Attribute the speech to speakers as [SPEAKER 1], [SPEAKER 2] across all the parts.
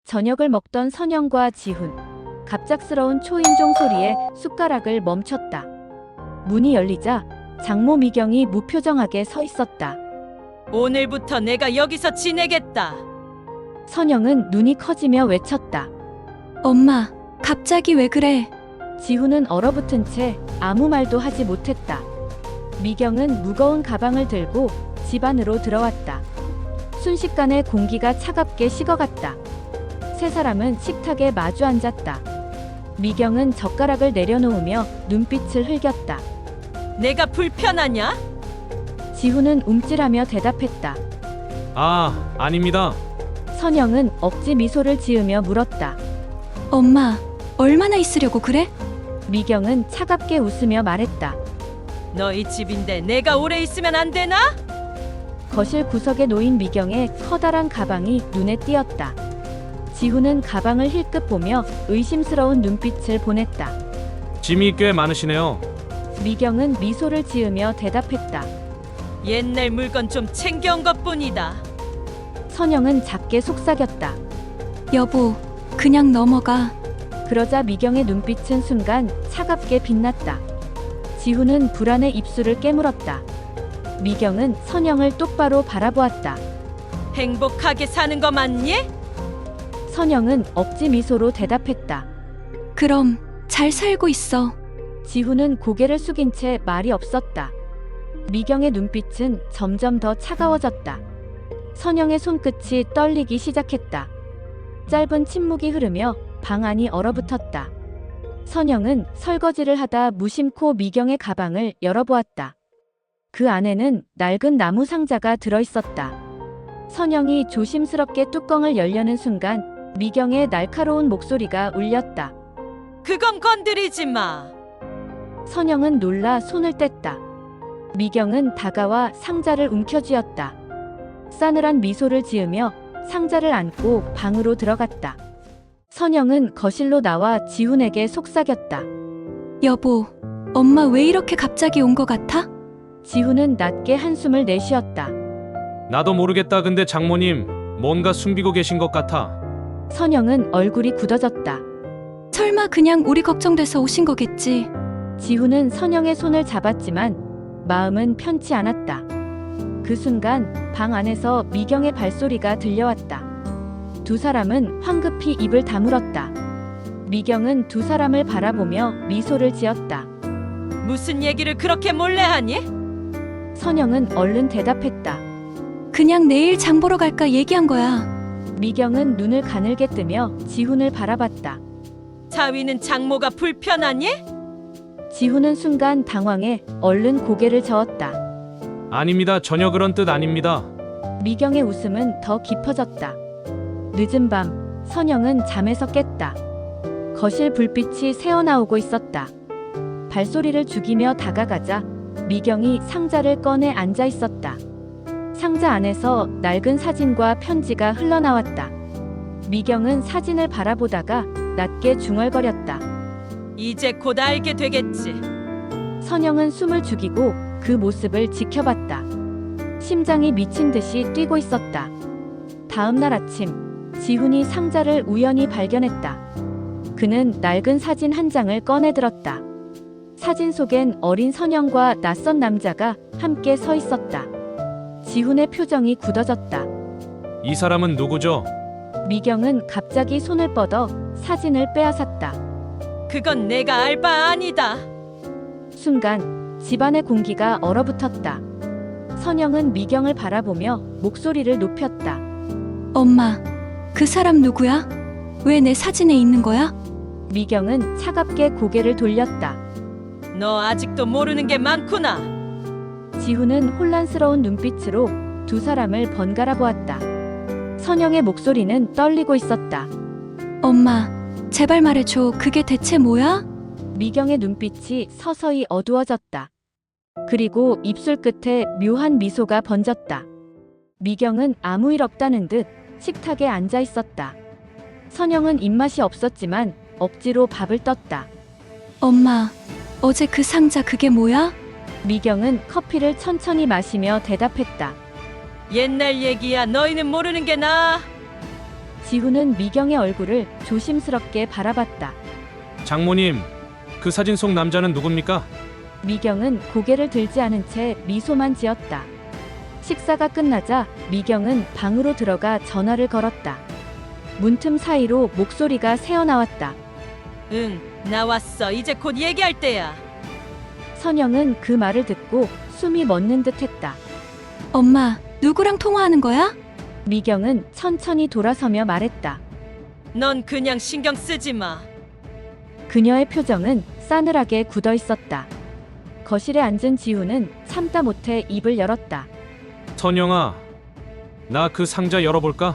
[SPEAKER 1] 저녁을 먹던 선영과 지훈. 갑작스러운 초인종 소리에 숟가락을 멈췄다. 문이 열리자 장모 미경이 무표정하게 서 있었다.
[SPEAKER 2] 오늘부터 내가 여기서 지내겠다.
[SPEAKER 1] 선영은 눈이 커지며 외쳤다.
[SPEAKER 3] 엄마, 갑자기 왜 그래?
[SPEAKER 1] 지훈은 얼어붙은 채 아무 말도 하지 못했다. 미경은 무거운 가방을 들고 집 안으로 들어왔다. 순식간에 공기가 차갑게 식어갔다. 세 사람은 식탁에 마주 앉았다. 미경은 젓가락을 내려놓으며 눈빛을 흘겼다.
[SPEAKER 2] 내가 불편하냐?
[SPEAKER 1] 지훈은 움찔하며 대답했다.
[SPEAKER 4] 아, 아닙니다.
[SPEAKER 1] 선영은 억지 미소를 지으며 물었다.
[SPEAKER 3] 엄마, 얼마나 있으려고 그래?
[SPEAKER 1] 미경은 차갑게 웃으며 말했다.
[SPEAKER 2] 너희 집인데 내가 오래 있으면 안 되나?
[SPEAKER 1] 거실 구석에 놓인 미경의 커다란 가방이 눈에 띄었다. 지훈은 가방을 힐끗 보며 의심스러운 눈빛을 보냈다.
[SPEAKER 4] 짐이 꽤 많으시네요.
[SPEAKER 1] 미경은 미소를 지으며 대답했다.
[SPEAKER 2] 옛날 물건 좀 챙겨온 것뿐이다.
[SPEAKER 1] 선영은 작게 속삭였다.
[SPEAKER 3] 여보, 그냥 넘어가.
[SPEAKER 1] 그러자 미경의 눈빛은 순간 차갑게 빛났다. 지훈은 불안해 입술을 깨물었다. 미경은 선영을 똑바로 바라보았다.
[SPEAKER 2] 행복하게 사는 거 맞니?
[SPEAKER 1] 선영은 억지 미소로 대답했다.
[SPEAKER 3] 그럼 잘 살고 있어.
[SPEAKER 1] 지훈은 고개를 숙인 채 말이 없었다. 미경의 눈빛은 점점 더 차가워졌다. 선영의 손끝이 떨리기 시작했다. 짧은 침묵이 흐르며 방 안이 얼어붙었다. 선영은 설거지를 하다 무심코 미경의 가방을 열어보았다. 그 안에는 낡은 나무 상자가 들어있었다. 선영이 조심스럽게 뚜껑을 열려는 순간 미경의 날카로운 목소리가 울렸다.
[SPEAKER 2] 그건 건드리지 마.
[SPEAKER 1] 선영은 놀라 손을 뗐다. 미경은 다가와 상자를 움켜쥐었다. 싸늘한 미소를 지으며 상자를 안고 방으로 들어갔다. 선영은 거실로 나와 지훈에게 속삭였다.
[SPEAKER 3] 여보, 엄마 왜 이렇게 갑자기 온 것 같아?
[SPEAKER 1] 지훈은 낮게 한숨을 내쉬었다.
[SPEAKER 4] 나도 모르겠다. 근데 장모님, 뭔가 숨기고 계신 것 같아.
[SPEAKER 1] 선영은 얼굴이 굳어졌다.
[SPEAKER 3] 설마 그냥 우리 걱정돼서 오신 거겠지?
[SPEAKER 1] 지훈은 선영의 손을 잡았지만 마음은 편치 않았다. 그 순간 방 안에서 미경의 발소리가 들려왔다. 두 사람은 황급히 입을 다물었다. 미경은 두 사람을 바라보며 미소를 지었다.
[SPEAKER 2] 무슨 얘기를 그렇게 몰래 하니?
[SPEAKER 1] 선영은 얼른 대답했다.
[SPEAKER 3] 그냥 내일 장 보러 갈까 얘기한 거야.
[SPEAKER 1] 미경은 눈을 가늘게 뜨며 지훈을 바라봤다.
[SPEAKER 2] 자위는 장모가 불편하니?
[SPEAKER 1] 지훈은 순간 당황해 얼른 고개를 저었다.
[SPEAKER 4] 아닙니다. 전혀 그런 뜻 아닙니다.
[SPEAKER 1] 미경의 웃음은 더 깊어졌다. 늦은 밤, 선영은 잠에서 깼다. 거실 불빛이 새어나오고 있었다. 발소리를 죽이며 다가가자 미경이 상자를 꺼내 앉아 있었다. 상자 안에서 낡은 사진과 편지가 흘러나왔다. 미경은 사진을 바라보다가 낮게 중얼거렸다.
[SPEAKER 2] 이제 곧 알게 되겠지.
[SPEAKER 1] 선영은 숨을 죽이고 그 모습을 지켜봤다. 심장이 미친 듯이 뛰고 있었다. 다음 날 아침, 지훈이 상자를 우연히 발견했다. 그는 낡은 사진 한 장을 꺼내들었다. 사진 속엔 어린 선영과 낯선 남자가 함께 서 있었다. 지훈의 표정이 굳어졌다.
[SPEAKER 4] 이 사람은 누구죠?
[SPEAKER 1] 미경은 갑자기 손을 뻗어 사진을 빼앗았다.
[SPEAKER 2] 그건 내가 알 바 아니다.
[SPEAKER 1] 순간 집안의 공기가 얼어붙었다. 선영은 미경을 바라보며 목소리를 높였다.
[SPEAKER 3] 엄마, 그 사람 누구야? 왜 내 사진에 있는 거야?
[SPEAKER 1] 미경은 차갑게 고개를 돌렸다.
[SPEAKER 2] 너 아직도 모르는 게 많구나.
[SPEAKER 1] 지훈은 혼란스러운 눈빛으로 두 사람을 번갈아 보았다. 선영의 목소리는 떨리고 있었다.
[SPEAKER 3] 엄마, 제발 말해줘. 그게 대체 뭐야?
[SPEAKER 1] 미경의 눈빛이 서서히 어두워졌다. 그리고 입술 끝에 묘한 미소가 번졌다. 미경은 아무 일 없다는 듯 식탁에 앉아 있었다. 선영은 입맛이 없었지만 억지로 밥을 떴다.
[SPEAKER 3] 엄마, 어제 그 상자 그게 뭐야?
[SPEAKER 1] 미경은 커피를 천천히 마시며 대답했다.
[SPEAKER 2] 옛날 얘기야. 너희는 모르는 게 나아.
[SPEAKER 1] 지훈은 미경의 얼굴을 조심스럽게 바라봤다.
[SPEAKER 4] 장모님, 그 사진 속 남자는 누굽니까?
[SPEAKER 1] 미경은 고개를 들지 않은 채 미소만 지었다. 식사가 끝나자 미경은 방으로 들어가 전화를 걸었다. 문틈 사이로 목소리가 새어나왔다.
[SPEAKER 2] 응, 나왔어. 이제 곧 얘기할 때야.
[SPEAKER 1] 선영은 그 말을 듣고 숨이 멎는 듯했다.
[SPEAKER 3] 엄마, 누구랑 통화하는 거야?
[SPEAKER 1] 미경은 천천히 돌아서며 말했다.
[SPEAKER 2] 넌 그냥 신경 쓰지 마.
[SPEAKER 1] 그녀의 표정은 싸늘하게 굳어 있었다. 거실에 앉은 지훈은 참다 못해 입을 열었다.
[SPEAKER 4] 선영아, 나 그 상자 열어볼까?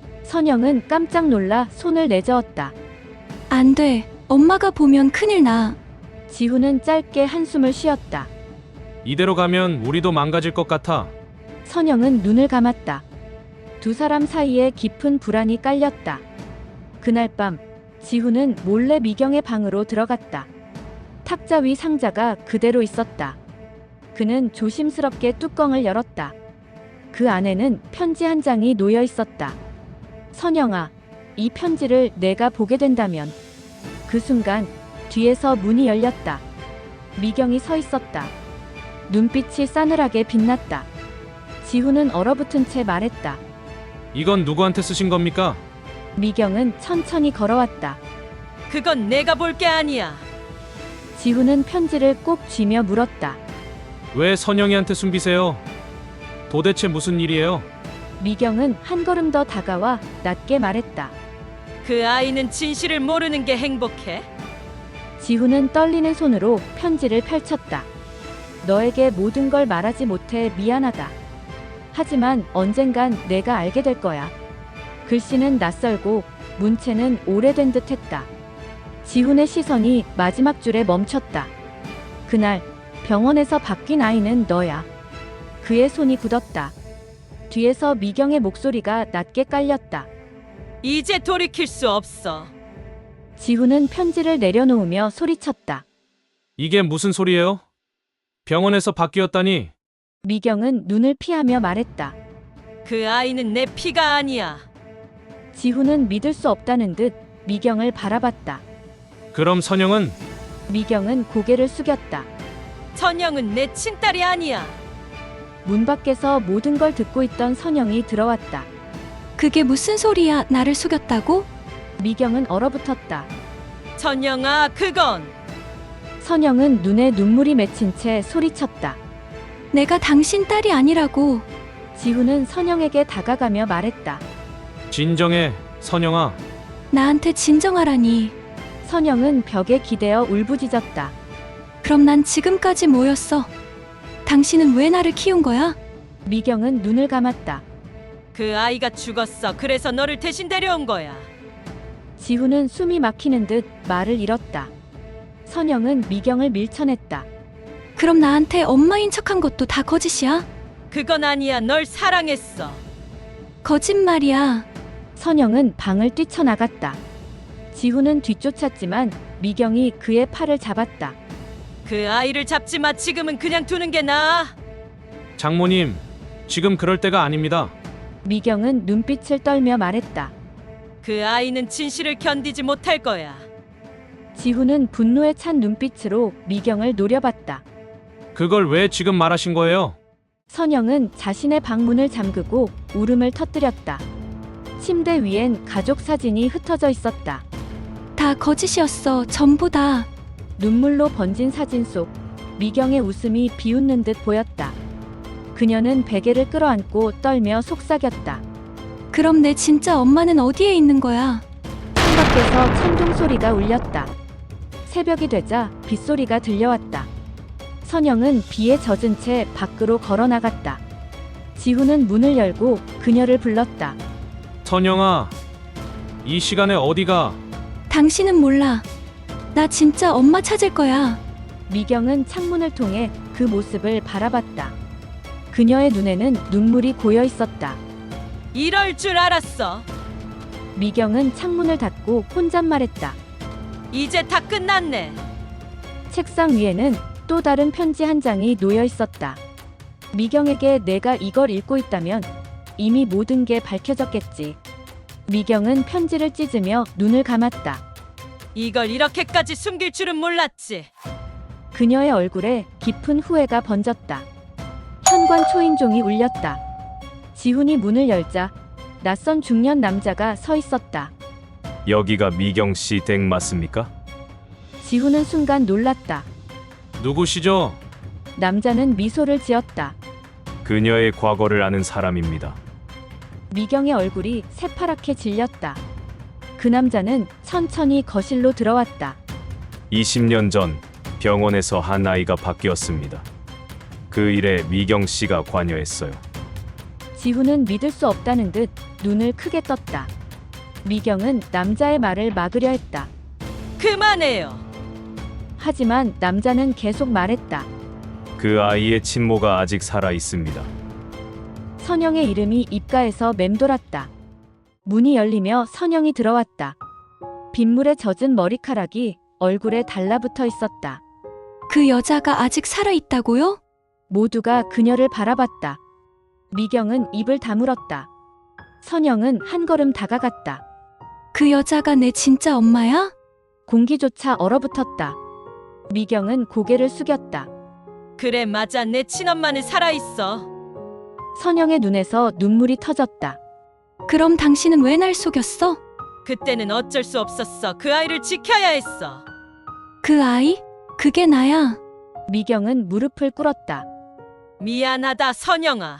[SPEAKER 1] 선영은 깜짝 놀라 손을 내저었다.
[SPEAKER 3] 안 돼. 엄마가 보면 큰일 나.
[SPEAKER 1] 지훈은 짧게 한숨을 쉬었다.
[SPEAKER 4] 이대로 가면 우리도 망가질 것 같아.
[SPEAKER 1] 선영은 눈을 감았다. 두 사람 사이에 깊은 불안이 깔렸다. 그날 밤 지훈은 몰래 미경의 방으로 들어갔다. 탁자 위 상자가 그대로 있었다. 그는 조심스럽게 뚜껑을 열었다. 그 안에는 편지 한 장이 놓여 있었다. 선영아, 이 편지를 내가 보게 된다면. 그 순간 뒤에서 문이 열렸다. 미경이 서 있었다. 눈빛이 싸늘하게 빛났다. 지훈은 얼어붙은 채 말했다.
[SPEAKER 4] 이건 누구한테 쓰신 겁니까?
[SPEAKER 1] 미경은 천천히 걸어왔다.
[SPEAKER 2] 그건 내가 볼 게 아니야.
[SPEAKER 1] 지훈은 편지를 꼭 쥐며 물었다.
[SPEAKER 4] 왜 선영이한테 숨기세요? 도대체 무슨 일이에요?
[SPEAKER 1] 미경은 한 걸음 더 다가와 낮게 말했다.
[SPEAKER 2] 그 아이는 진실을 모르는 게 행복해.
[SPEAKER 1] 지훈은 떨리는 손으로 편지를 펼쳤다. 너에게 모든 걸 말하지 못해 미안하다. 하지만 언젠간 내가 알게 될 거야. 글씨는 낯설고 문체는 오래된 듯 했다. 지훈의 시선이 마지막 줄에 멈췄다. 그날 병원에서 바뀐 아이는 너야. 그의 손이 굳었다. 뒤에서 미경의 목소리가 낮게 깔렸다.
[SPEAKER 2] 이제 돌이킬 수 없어.
[SPEAKER 1] 지훈은 편지를 내려놓으며 소리쳤다.
[SPEAKER 4] 이게 무슨 소리예요? 병원에서 바뀌었다니.
[SPEAKER 1] 미경은 눈을 피하며 말했다.
[SPEAKER 2] 그 아이는 내 피가 아니야.
[SPEAKER 1] 지훈은 믿을 수 없다는 듯 미경을 바라봤다.
[SPEAKER 4] 그럼 선영은?
[SPEAKER 1] 미경은 고개를 숙였다.
[SPEAKER 2] 선영은 내 친딸이 아니야.
[SPEAKER 1] 문 밖에서 모든 걸 듣고 있던 선영이 들어왔다.
[SPEAKER 3] 그게 무슨 소리야? 나를 속였다고?
[SPEAKER 1] 미경은 얼어붙었다.
[SPEAKER 2] 선영아, 그건
[SPEAKER 1] 선영은 눈에 눈물이 맺힌 채 소리쳤다.
[SPEAKER 3] 내가 당신 딸이 아니라고.
[SPEAKER 1] 지훈은 선영에게 다가가며 말했다.
[SPEAKER 4] 진정해, 선영아.
[SPEAKER 3] 나한테 진정하라니.
[SPEAKER 1] 선영은 벽에 기대어 울부짖었다.
[SPEAKER 3] 그럼 난 지금까지 뭐였어? 당신은 왜 나를 키운 거야?
[SPEAKER 1] 미경은 눈을 감았다.
[SPEAKER 2] 그 아이가 죽었어. 그래서 너를 대신 데려온 거야.
[SPEAKER 1] 지훈은 숨이 막히는 듯 말을 잃었다. 선영은 미경을 밀쳐냈다.
[SPEAKER 3] 그럼 나한테 엄마인 척한 것도 다 거짓이야?
[SPEAKER 2] 그건 아니야. 널 사랑했어.
[SPEAKER 3] 거짓말이야.
[SPEAKER 1] 선영은 방을 뛰쳐나갔다. 지훈은 뒤쫓았지만 미경이 그의 팔을 잡았다.
[SPEAKER 2] 그 아이를 잡지 마. 지금은 그냥 두는 게 나아.
[SPEAKER 4] 장모님, 지금 그럴 때가 아닙니다.
[SPEAKER 1] 미경은 눈빛을 떨며 말했다.
[SPEAKER 2] 그 아이는 진실을 견디지 못할 거야.
[SPEAKER 1] 지훈은 분노에 찬 눈빛으로 미경을 노려봤다.
[SPEAKER 4] 그걸 왜 지금 말하신 거예요?
[SPEAKER 1] 선영은 자신의 방문을 잠그고 울음을 터뜨렸다. 침대 위엔 가족 사진이 흩어져 있었다.
[SPEAKER 3] 다 거짓이었어. 전부 다.
[SPEAKER 1] 눈물로 번진 사진 속 미경의 웃음이 비웃는 듯 보였다. 그녀는 베개를 끌어안고 떨며 속삭였다.
[SPEAKER 3] 그럼 내 진짜 엄마는 어디에 있는 거야?
[SPEAKER 1] 창밖에서 천둥 소리가 울렸다. 새벽이 되자 빗소리가 들려왔다. 선영은 비에 젖은 채 밖으로 걸어 나갔다. 지훈은 문을 열고 그녀를 불렀다.
[SPEAKER 4] 선영아, 이 시간에 어디가?
[SPEAKER 3] 당신은 몰라. 나 진짜 엄마 찾을 거야.
[SPEAKER 1] 미경은 창문을 통해 그 모습을 바라봤다. 그녀의 눈에는 눈물이 고여 있었다.
[SPEAKER 2] 이럴 줄 알았어.
[SPEAKER 1] 미경은 창문을 닫고 혼잣말했다.
[SPEAKER 2] 이제 다 끝났네.
[SPEAKER 1] 책상 위에는 또 다른 편지 한 장이 놓여 있었다. 미경에게 내가 이걸 읽고 있다면 이미 모든 게 밝혀졌겠지. 미경은 편지를 찢으며 눈을 감았다.
[SPEAKER 2] 이걸 이렇게까지 숨길 줄은 몰랐지.
[SPEAKER 1] 그녀의 얼굴에 깊은 후회가 번졌다. 현관 초인종이 울렸다. 지훈이 문을 열자 낯선 중년 남자가 서 있었다.
[SPEAKER 5] 여기가 미경 씨 댁 맞습니까?
[SPEAKER 1] 지훈은 순간 놀랐다.
[SPEAKER 4] 누구시죠?
[SPEAKER 1] 남자는 미소를 지었다.
[SPEAKER 5] 그녀의 과거를 아는 사람입니다.
[SPEAKER 1] 미경의 얼굴이 새파랗게 질렸다. 그 남자는 천천히 거실로 들어왔다.
[SPEAKER 5] 20년 전 병원에서 한 아이가 바뀌었습니다. 그 일에 미경 씨가 관여했어요.
[SPEAKER 1] 지훈은 믿을 수 없다는 듯 눈을 크게 떴다. 미경은 남자의 말을 막으려 했다.
[SPEAKER 2] 그만해요.
[SPEAKER 1] 하지만 남자는 계속 말했다.
[SPEAKER 5] 그 아이의 친모가 아직 살아 있습니다.
[SPEAKER 1] 선영의 이름이 입가에서 맴돌았다. 문이 열리며 선영이 들어왔다. 빗물에 젖은 머리카락이 얼굴에 달라붙어 있었다.
[SPEAKER 3] 그 여자가 아직 살아있다고요?
[SPEAKER 1] 모두가 그녀를 바라봤다. 미경은 입을 다물었다. 선영은 한 걸음 다가갔다.
[SPEAKER 3] 그 여자가 내 진짜 엄마야?
[SPEAKER 1] 공기조차 얼어붙었다. 미경은 고개를 숙였다.
[SPEAKER 2] 그래 맞아 내 친엄마는 살아있어.
[SPEAKER 1] 선영의 눈에서 눈물이 터졌다.
[SPEAKER 3] 그럼 당신은 왜 날 속였어?
[SPEAKER 2] 그때는 어쩔 수 없었어. 그 아이를 지켜야 했어.
[SPEAKER 3] 그 아이? 그게 나야.
[SPEAKER 1] 미경은 무릎을 꿇었다.
[SPEAKER 2] 미안하다 선영아.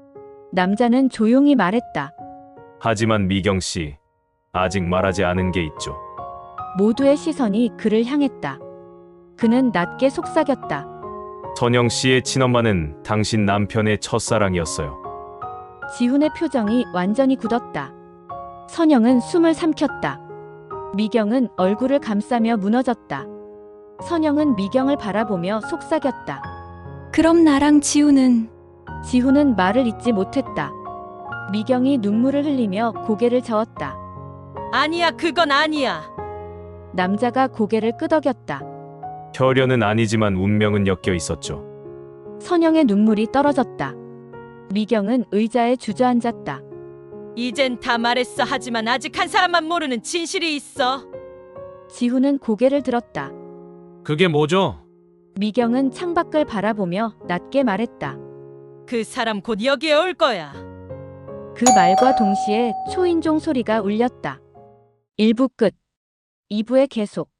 [SPEAKER 1] 남자는 조용히 말했다.
[SPEAKER 5] 하지만 미경 씨, 아직 말하지 않은 게 있죠.
[SPEAKER 1] 모두의 시선이 그를 향했다. 그는 낮게 속삭였다.
[SPEAKER 5] 선영 씨의 친엄마는 당신 남편의 첫사랑이었어요.
[SPEAKER 1] 지훈의 표정이 완전히 굳었다. 선영은 숨을 삼켰다. 미경은 얼굴을 감싸며 무너졌다. 선영은 미경을 바라보며 속삭였다.
[SPEAKER 3] 그럼 나랑 지우는
[SPEAKER 1] 지훈은 말을 잇지 못했다. 미경이 눈물을 흘리며 고개를 저었다.
[SPEAKER 2] 아니야 그건 아니야.
[SPEAKER 1] 남자가 고개를 끄덕였다.
[SPEAKER 5] 혈연은 아니지만 운명은 엮여 있었죠.
[SPEAKER 1] 선영의 눈물이 떨어졌다. 미경은 의자에 주저앉았다.
[SPEAKER 2] 이젠 다 말했어. 하지만 아직 한 사람만 모르는 진실이 있어.
[SPEAKER 1] 지훈은 고개를 들었다.
[SPEAKER 4] 그게 뭐죠?
[SPEAKER 1] 미경은 창밖을 바라보며 낮게 말했다.
[SPEAKER 2] 그 사람 곧 여기에 올 거야.
[SPEAKER 1] 그 말과 동시에 초인종 소리가 울렸다. 1부 끝. 2부의 계속.